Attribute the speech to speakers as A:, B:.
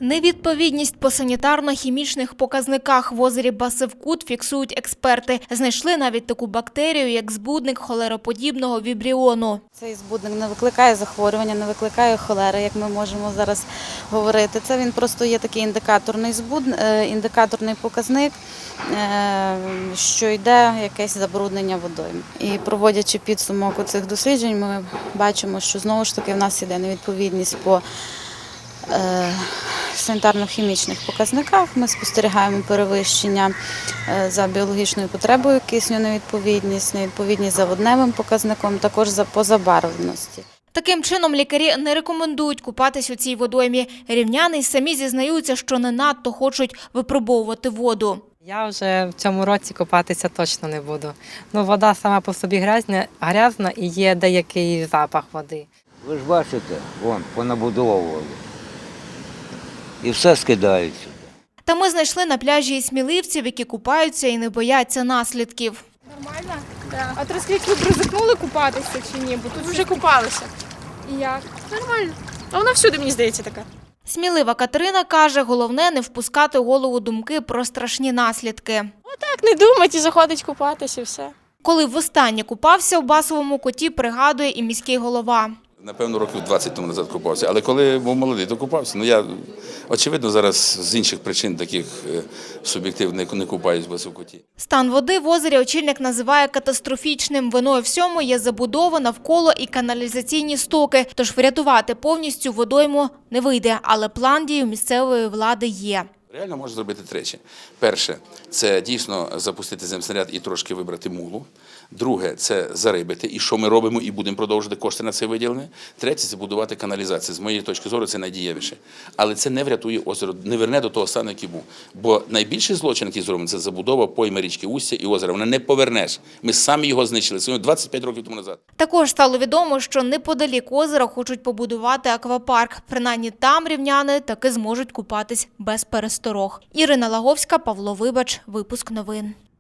A: Невідповідність по санітарно-хімічних показниках в озері Басивкут фіксують експерти. Знайшли навіть таку бактерію, як збудник холероподібного вібріону.
B: Цей збудник не викликає захворювання, не викликає холери, як ми можемо зараз говорити. Це він просто є такий індикаторний показник, що йде якесь забруднення водою. І проводячи підсумок у цих досліджень, ми бачимо, що знову ж таки в нас іде невідповідність по санітарно-хімічних показниках. Ми спостерігаємо перевищення за біологічною потребою кисню, невідповідність за водневим показником, також по забарвленості.
A: Таким чином, лікарі не рекомендують купатись у цій водоймі. Рівняни й самі зізнаються, що не надто хочуть випробовувати воду.
C: Я вже в цьому році купатися точно не буду. Вода сама по собі грязна і є деякий запах води.
D: Ви ж бачите, вон, понабудовували. І все скидають сюди.
A: Та ми знайшли на пляжі і сміливців, які купаються і не бояться наслідків.
E: Нормально? Да. А то розкажіть, ви ризикнули купатися чи ні? Бо тут вже купалися. І як? Нормально. А вона всюди, мені здається, така.
A: Смілива Катерина каже, головне не впускати в голову думки про страшні наслідки.
E: Так, не думать і заходить купатися і все.
A: Коли востаннє купався у Басовому Куті, пригадує і міський голова.
F: Напевно, років 20 тому назад купався, але коли був молодий, то купався. Я, очевидно, зараз з інших причин таких суб'єктивних не купаюсь в Басовкуті.
A: Стан води в озері очільник називає катастрофічним. Виною всьому є забудова навколо і каналізаційні стоки. Тож врятувати повністю водойму не вийде, але план дій у місцевої влади є.
F: Реально можна зробити тричі. Перше – це дійсно запустити земснаряд і трошки вибрати мулу. Друге – це зарибити, і що ми робимо, і будемо продовжувати, кошти на це виділені. Третє – це будувати каналізацію. З моєї точки зору, це найдієвіше. Але це не врятує озеро, не верне до того стану, який був. Бо найбільший злочин, який зроблений, це забудова пойми річки Устя і озера. Вона не повернеш. Ми самі його знищили. Це 25 років тому назад.
A: Також стало відомо, що неподалік озера хочуть побудувати аквапарк. Принаймні там рівняни таки зможуть купатись без пересторог. Ірина Лаговська, Павло Вибач, випуск новин.